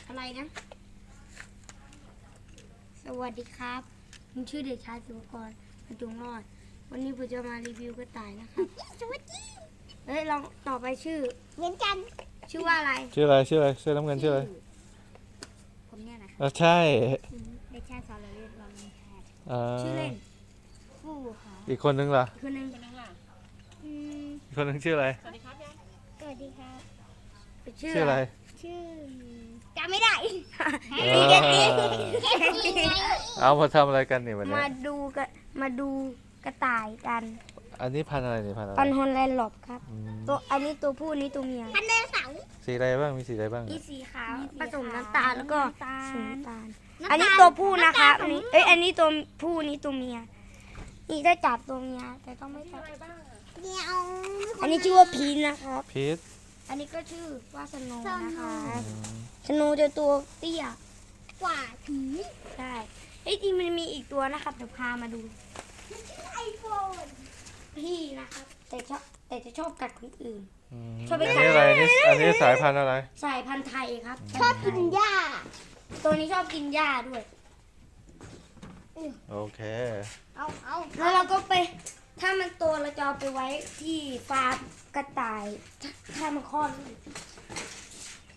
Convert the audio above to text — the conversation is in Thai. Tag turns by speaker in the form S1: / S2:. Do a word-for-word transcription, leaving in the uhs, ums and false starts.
S1: อะไรนะสวัสดีครับผมชื่อเด็กชายสุภกรประจงรอดวันนี้ผมจะมารีวิวกระต่ายนะครับสวัสดีเฮ้ยลองต่อไปชื่อเหมือนกันชื่อว่าอะไร
S2: ชื่ออะไรชื่ออะไรเสื้อน้ำเงินชื่ออะไร
S1: ผมเนี่ยนะ
S2: อ่ะใช่
S1: เด็กชายสอนเรียนรอมินแพทย์
S2: อ่า
S1: ชื่อเล่นฟูค่ะ
S2: อีกคนนึงล่ะ
S1: อีกคนนึงคนนึงล่ะอืม
S2: อีกคนนึงชื่ออะไร
S1: สวัสดีครับยายสวัสดีครับ
S2: ชื่ออะไร
S1: ชื่อจำไม่ได้
S2: เออเอามาทำอะไรกันนี่วันนี้
S1: มาดูกันมาดูกระต่ายกัน
S2: อันนี้พันธุ์อะไรนี่พันธุ์อะไร
S1: ปันฮอนแลนด์หลบครับ
S2: อืม
S1: ตัวอันนี้ตัวผู้นี้ตัวเมียพันเดเสา
S2: สีอะไรบ้างมีสีอะไรบ้าง
S1: มีสีขาวผสมน้ำตาลแล้วก็สีน้ำตาล
S3: น้ำตาล
S1: อันนี้ตัวผู้นะครับอันนี้เอ้ยอันนี้ตัวผู้นี้ตัวเมียนี่ได้จับตัวเมียแต่ต้องไม่จับ
S3: เดี๋ยว
S1: อันนี้ชื่อว่าพีนนะครับ
S2: พีท
S1: อันนี้ก็ชื่อว่าสโนว์นะคะ
S2: อืม
S1: สโนว์จะตัวเตี้ย
S3: กว่าผี
S1: ใช่เอ้ยจริงมันมีอีกตัวนะครับเดี๋ยวพามาดู
S3: ไอโฟน
S1: พี่นะครับแต่ชอบแต่จะชอบกัดคนอื่น
S2: อืม
S1: ชอบไป
S2: อัน
S1: กัด
S2: นี้อะไรนี่อันนี้สายพันธุ์อะไร
S1: สายพันธุ์ไทยครับ
S3: ชอบกินหญ้า
S1: ตัวนี้ชอบกินหญ้าด้วย
S2: โอเค
S3: เอาเอา
S1: แล้วเราก็ไปถ้ามันโตเราจะเอาไปไว้ที่ฟาร์มกระต่าย ถ้าถ้ามันคลอด